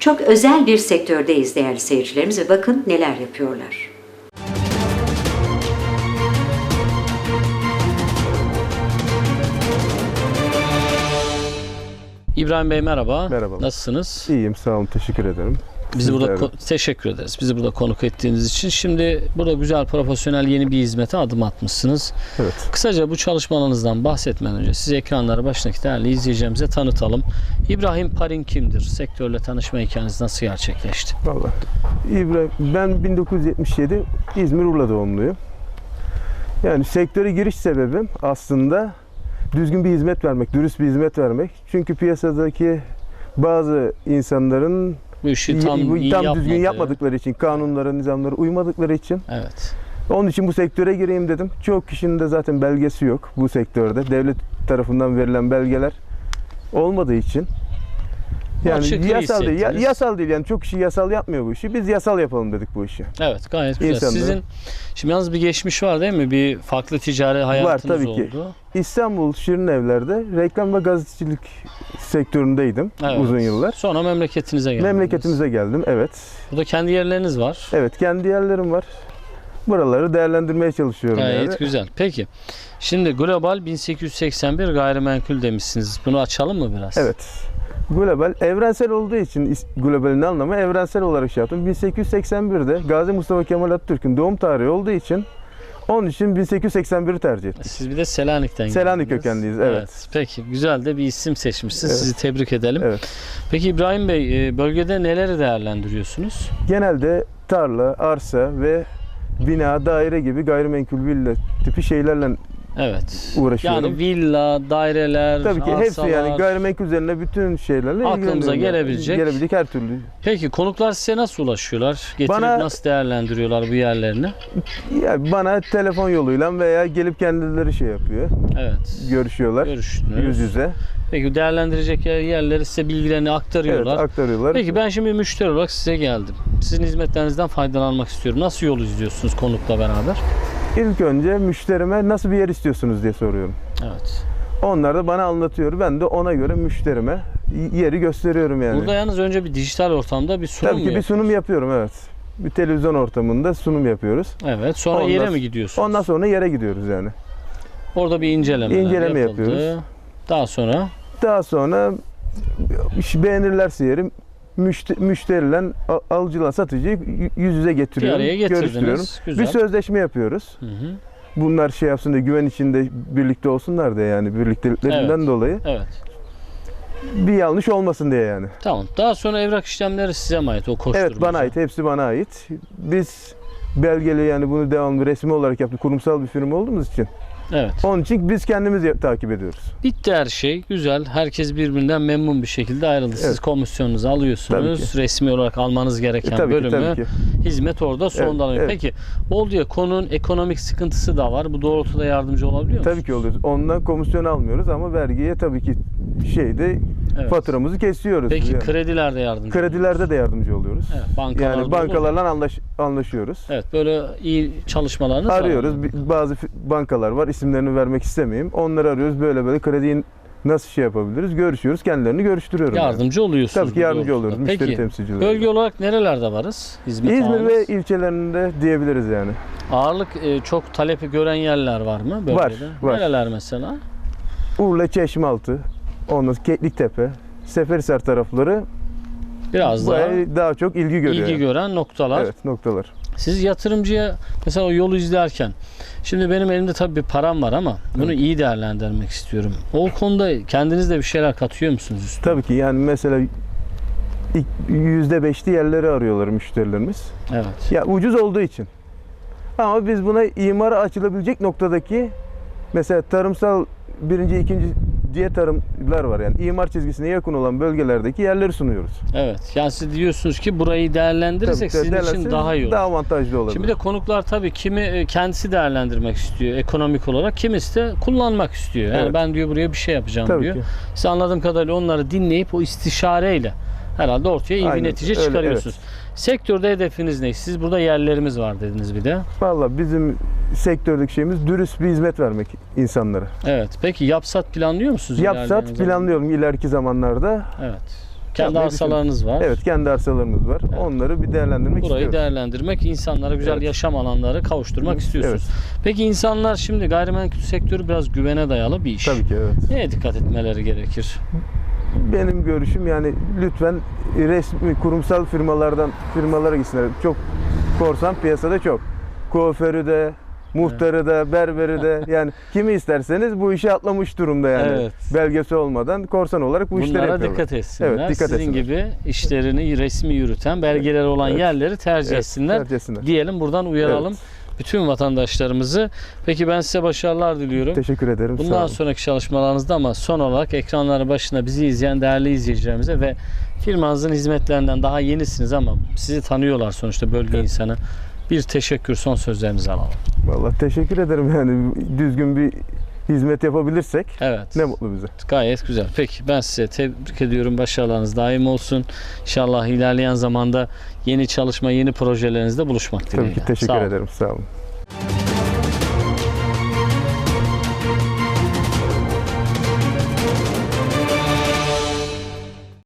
Çok özel bir sektördeyiz değerli seyircilerimiz ve bakın neler yapıyorlar. İbrahim Bey merhaba. Merhaba. Nasılsınız? İyiyim, sağ olun, teşekkür ederim. Bizi burada teşekkür ederiz. Bizi burada konuk ettiğiniz için. Şimdi burada güzel, profesyonel yeni bir hizmete adım atmışsınız. Evet. Kısaca bu çalışmalarınızdan bahsetmeden önce sizi ekranları başındaki değerli izleyicilerimize tanıtalım. İbrahim Parin kimdir? Sektörle tanışma hikayeniz nasıl gerçekleşti? Vallahi. İbrahim, ben 1977 İzmir Urla doğumluyum. Yani sektöre giriş sebebim aslında düzgün bir hizmet vermek, dürüst bir hizmet vermek. Çünkü piyasadaki bazı insanların Bu işi tam düzgün yapmadıkları için, kanunlara, nizamlara uymadıkları için. Evet. Onun için bu sektöre gireyim dedim. Çok kişinin de zaten belgesi yok bu sektörde. Devlet tarafından verilen belgeler olmadığı için. Yani yasal değil yani çok kişi yasal yapmıyor bu işi. Biz yasal yapalım dedik bu işi. Evet, gayet güzel. İnsanlar. Sizin şimdi yalnız bir geçmiş var değil mi? Bir farklı ticari hayatınız Var tabii ki. oldu. İstanbul Şirinevler'de reklam ve gazetecilik sektöründeydim uzun yıllar. Sonra memleketinize geldiniz. Memleketimize geldim, evet. Burada kendi yerleriniz var. Evet, kendi yerlerim var. Buraları değerlendirmeye çalışıyorum. Gayet güzel. Peki. Şimdi global 1881 gayrimenkul demişsiniz. Bunu açalım mı biraz? Evet. Global, evrensel olduğu için globalin anlamı evrensel olarak şey yaptım. 1881'de Gazi Mustafa Kemal Atatürk'ün doğum tarihi olduğu için onun için 1881'i tercih ettik. Siz bir de Selanik'ten Selanik geldiniz. kökenliyiz, evet. Peki, güzel de bir isim seçmişsiniz. Evet. Sizi tebrik edelim. Evet. Peki İbrahim Bey, bölgede neleri değerlendiriyorsunuz? Genelde tarla, arsa ve bina, daire gibi gayrimenkul villa tipi şeylerle Evet. uğraşıyorum. Yani villa, daireler, Tabii ki hepsi arsalar. yani gayrimenkul üzerine bütün şeylerle Aklımıza ilgileniyorum. gelebilecek her türlü. Peki konuklar size nasıl ulaşıyorlar? Getirip nasıl değerlendiriyorlar bu yerlerini? Ya bana telefon yoluyla veya gelip kendileri şey yapıyor. Evet. Görüşüyorlar. Görüştünüz. Yüz yüze. Peki değerlendirecek yerleri size bilgilerini aktarıyorlar. Evet, aktarıyorlar. Peki ben şimdi müşteri olarak size geldim. Sizin hizmetlerinizden faydalanmak istiyorum. Nasıl yol izliyorsunuz konukla beraber? İlk önce müşterime nasıl bir yer istiyorsunuz diye soruyorum. Evet. Onlar da bana anlatıyor. Ben de ona göre müşterime yeri gösteriyorum yani. Burada yalnız önce bir dijital ortamda bir sunum Tabii ki bir sunum yapıyorum, evet. Bir televizyon ortamında sunum yapıyoruz. Evet. Sonra yere mi gidiyorsunuz? Ondan sonra yere gidiyoruz yani. Orada bir inceleme yapıyoruz. Daha sonra beğenirlerse yeri müşteriyle alıcıyla satıcıyı yüz yüze getiriyorum. Bir araya görüştürüyorum. Güzel. Bir sözleşme yapıyoruz. Hı hı. Bunlar şey yapsın diye, güven içinde birlikte olsunlar diye, yani birlikteliklerinden dolayı. Evet. Bir yanlış olmasın diye yani. Tamam. Daha sonra evrak işlemleri size mi ait? O koşturmaca. Evet, bana ait. Hepsi bana ait. Biz belgeli, yani bunu devamlı resmi olarak yaptık. Kurumsal bir firma olduğumuz için. Evet. Onun için biz kendimiz takip ediyoruz. Bitti her şey. Güzel. Herkes birbirinden memnun bir şekilde ayrıldı. Siz komisyonunuzu alıyorsunuz. Resmi olarak almanız gereken bölümü. Hizmet orada sondan alıyor. Evet. Peki Bolu'ya konunun ekonomik sıkıntısı da var. Bu doğrultuda yardımcı olabiliyor musunuz? Tabii ki oluyoruz. Ondan komisyon almıyoruz ama vergiye tabii ki faturamızı kesiyoruz. Peki yani. Kredilerde yardımcı Kredilerde de yardımcı oluyoruz. Evet, yani bankalarla anlaşıyoruz. Evet, böyle iyi çalışmalarınız arıyoruz. var. Bazı bankalar var. İsimlerini vermek istemeyeyim. Onları arıyoruz. Böyle krediyi nasıl şey yapabiliriz? Görüşüyoruz. Kendilerini görüştürüyorum. Yardımcı oluyorsunuz. Tabii ki yardımcı oluyoruz. Peki, müşteri temsilcileri. Bölge olarak nerelerde varız? İzmir ve ilçelerinde diyebiliriz yani. Ağırlık çok talepi gören yerler var mı bölgede? Var. Nereler mesela? Urla, Çeşmealtı, ondan Kekliktepe, Seferihisar tarafları biraz daha çok ilgi görüyor. İlgi gören noktalar. Evet, noktalar. Siz yatırımcıya mesela o yolu izlerken, şimdi benim elimde tabii bir param var ama bunu iyi değerlendirmek istiyorum. O konuda kendiniz de bir şeyler katıyor musunuz üstüne? Tabii ki, yani mesela %5'li yerleri arıyorlar müşterilerimiz. Evet. Ya ucuz olduğu için. Ama biz buna imara açılabilecek noktadaki, mesela tarımsal birinci, ikinci diye tarımlar var, yani imar çizgisine yakın olan bölgelerdeki yerleri sunuyoruz. Evet. Yani siz diyorsunuz ki burayı değerlendirirsek sizin için daha iyi olur. Daha avantajlı olabilir. Şimdi bir de konuklar tabii kimi kendisi değerlendirmek istiyor ekonomik olarak, kimisi de kullanmak istiyor. Yani ben diyor buraya bir şey yapacağım diyor. Siz anladığım kadarıyla onları dinleyip o istişareyle herhalde ortaya iyi bir netice çıkarıyorsunuz. Sektörde hedefiniz ne? Siz burada yerlerimiz var dediniz bir de. Vallahi bizim sektördeki şeyimiz dürüst bir hizmet vermek insanlara. Evet. Peki yapsat planlıyor musunuz? Yapsat planlıyorum ileriki zamanlarda. Evet. Kendi yapmayı arsalarınız var. Evet, kendi arsalarımız var. Evet. Onları bir değerlendirmek Burayı istiyoruz. değerlendirmek, insanlara güzel Evet. yaşam alanları kavuşturmak istiyorsunuz. Peki insanlar şimdi gayrimenkul sektörü biraz güvene dayalı bir iş. Tabii ki evet. Neye dikkat etmeleri gerekir? Benim görüşüm yani lütfen resmi kurumsal firmalara gitsinler. Çok korsan piyasada çok. Kuaförü de, muhtarı da, berberi de yani kimi isterseniz bu işi atlamış durumda yani. Evet. Belgesi olmadan korsan olarak bu işleri Bunlara yapıyorlar. dikkat etsinler. Evet, dikkat Sizin etsinler. gibi işlerini resmi yürüten, belgeleri olan Evet. yerleri tercih Evet, etsinler. tercih etsinler. Diyelim, buradan uyaralım bütün vatandaşlarımızı. Peki ben size başarılar diliyorum. Teşekkür ederim. Sağ Bundan olun. sonraki çalışmalarınızda ama son olarak ekranların başında bizi izleyen değerli izleyicilerimize ve firmanızın hizmetlerinden daha yenisiniz ama sizi tanıyorlar sonuçta, bölge insanı. Bir teşekkür, son sözlerinizi alalım. Vallahi teşekkür ederim yani düzgün bir hizmet yapabilirsek Evet. ne mutlu bize. Gayet güzel. Peki ben size tebrik ediyorum. Başarılarınız daim olsun. İnşallah ilerleyen zamanda yeni çalışma, yeni projelerinizde buluşmak dileğiyle. Tabii ki teşekkür Sağ olun. ederim. Sağ olun.